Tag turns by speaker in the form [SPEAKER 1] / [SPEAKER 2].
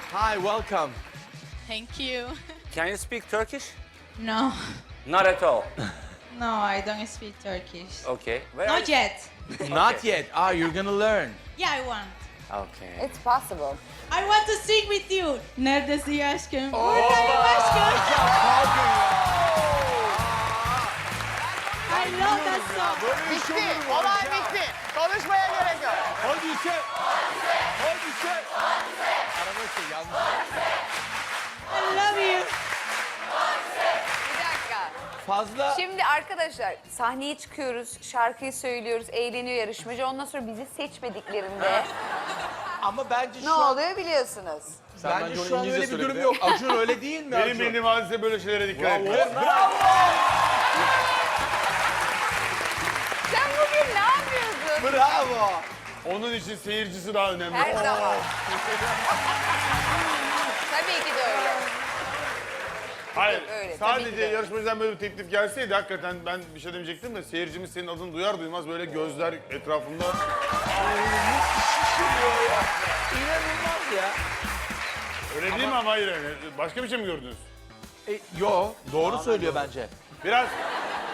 [SPEAKER 1] Hi, welcome.
[SPEAKER 2] Thank you.
[SPEAKER 3] Can you speak Turkish?
[SPEAKER 2] No,
[SPEAKER 3] Not at all.
[SPEAKER 2] no, I don't speak Turkish.
[SPEAKER 3] Okay. Where are
[SPEAKER 2] Not
[SPEAKER 3] you?
[SPEAKER 2] yet.
[SPEAKER 1] Not yet. Ah, you're gonna learn.
[SPEAKER 2] Yeah, I want.
[SPEAKER 3] Okay.
[SPEAKER 4] It's possible.
[SPEAKER 2] I want to sing with you. Neredesin ya aşkım? Buradayım aşkım. I love that song.
[SPEAKER 5] Bitti. Olay bitti. Konuşmaya gerek yok.
[SPEAKER 1] Hadi sen. Hadi sen. Arabası yanlış.
[SPEAKER 2] I love you.
[SPEAKER 4] Bir dakika.
[SPEAKER 1] Fazla.
[SPEAKER 4] Şimdi arkadaşlar sahneye çıkıyoruz, şarkıyı söylüyoruz, eğleniyor yarışmacı. Ondan sonra bizi seçmediklerinde
[SPEAKER 1] Ama bence
[SPEAKER 4] ne
[SPEAKER 1] şu an,
[SPEAKER 4] oluyor biliyorsunuz.
[SPEAKER 1] bence şu an öyle bir durum yok. Acun öyle değil mi
[SPEAKER 6] Benim
[SPEAKER 1] Acun?
[SPEAKER 6] bildiğim hadise böyle şeylere dikkat etmez.
[SPEAKER 4] Sen bugün ne yapıyorsun?
[SPEAKER 1] Bravo.
[SPEAKER 6] Onun için seyircisi daha önemli.
[SPEAKER 4] Her zaman. Tabii ki de öyle.
[SPEAKER 6] Hayır,
[SPEAKER 4] Öyle, tabii ki
[SPEAKER 6] sadece
[SPEAKER 4] de.
[SPEAKER 6] yarışmacıdan böyle bir teklif gelseydi hakikaten ben bir şey demeyecektim de seyircimiz senin adını duyar duymaz böyle gözler etrafında.
[SPEAKER 1] İnanılmaz ya.
[SPEAKER 6] Öyle değil mi ama hayır yani. Başka bir şey mi gördünüz?
[SPEAKER 1] Yo, doğru söylüyor bence.
[SPEAKER 6] Biraz